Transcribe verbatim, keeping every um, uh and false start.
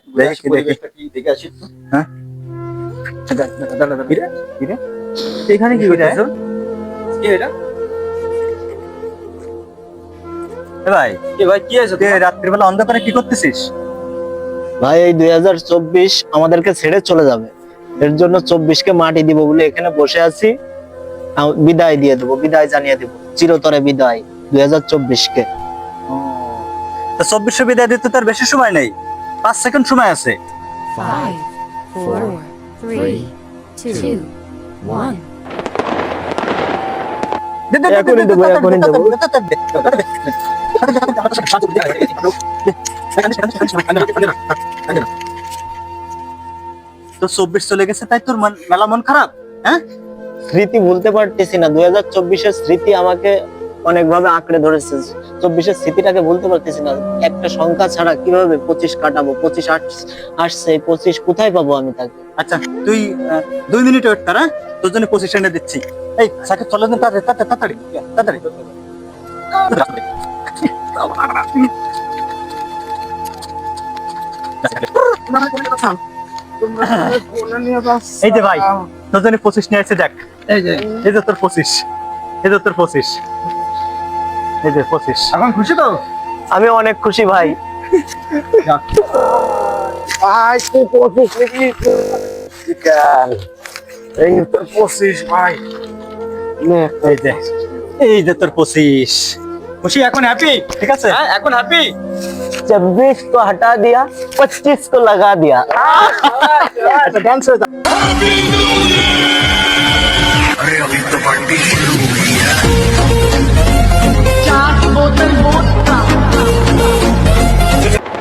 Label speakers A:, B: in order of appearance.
A: দেখি দেখি
B: কি দেখে আসি তো।
A: হ্যাঁ
B: কিরে?
A: কিরে এখানে কি করতেছো?
B: কে এটা?
A: এ ভাই
B: এ ভাই কি আছে
A: তুই রাত্রির বেলা অন্ধকারে কি করতেছিস?
C: ভাই এই দুই হাজার চব্বিশ আমাদেরকে ছেড়ে চলে যাবে, এর জন্য চব্বিশ কে মাটি দিব বলে এখানে বসে আছি। আম- বিদায় দিয়ে দেবো, বিদায় জানিয়ে দেবো, চিরতরে বিদায় দুই হাজার চব্বিশ কে।
A: তো চব্বিশশো বিদায় দিতে তার বেশি সময় নেই, পাঁচ সেকেন্ড সময় আছে।
D: Five, four, three, two, one.
A: দে, দে, দে,
C: এখনই
A: দে, দে,
C: দেবো,
A: তাড়াতাড়ি,
C: এখনই দেবো।
A: তাড়াতাড়ি, তাড়াতাড়ি, তাড়াতাড়ি। তো চব্বিশ চলে গেছে তাই তোর মন মেলা মন খারাপ? হ্যাঁ
C: স্মৃতি ভুলতে পারতেছি না, দুই হাজার চব্বিশের স্মৃতি আমাকে অনেকভাবে আঁকড়ে ধরেছে। চব্বিশের স্মৃতিটাকে ভুলতে পারতেছি না। একটা সংখ্যা ছাড়া কিভাবে পঁচিশ কাটাবো? পঁচিশ আস- আসছে, এই পঁচিশ কোথায় পাবো আমি তাকে?
A: আচ্ছা তুই আহ, দুই মিনিট ওয়েট কর, হ্যাঁ? তোর জন্য পঁচিশ এনে দিচ্ছি। এই সাকিব চলে দিন তাড়াতাড়ি তাড়াতাড়ি তাড়াতাড়ি তাড়াতাড়ি। এই যে ভাই তোর জন্য পঁচিশ নিয়ে আসছে, দেখ
B: এই যে
A: এই যে তোর পঁচিশ, এই যে তোর পঁচিশ, এই যে পঁচিশ।
B: এখন খুশি তো?
C: আমি অনেক খুশি ভাই।
B: ভাই তুই পঁচিশ নাকি? বিকাল এই তো পঁচিশ ভাই। নে,
A: এই যে এই যে তোর পঁচিশ। খুশি এখন, হ্যাপি? ঠিক আছে
B: হ্যাঁ এখন হ্যাপি।
C: चौबीस को हटा दिया, पच्चीस को लगा दिया।
A: আচ্ছা ডান্স হয়ে যা।
E: चार बोतल वोट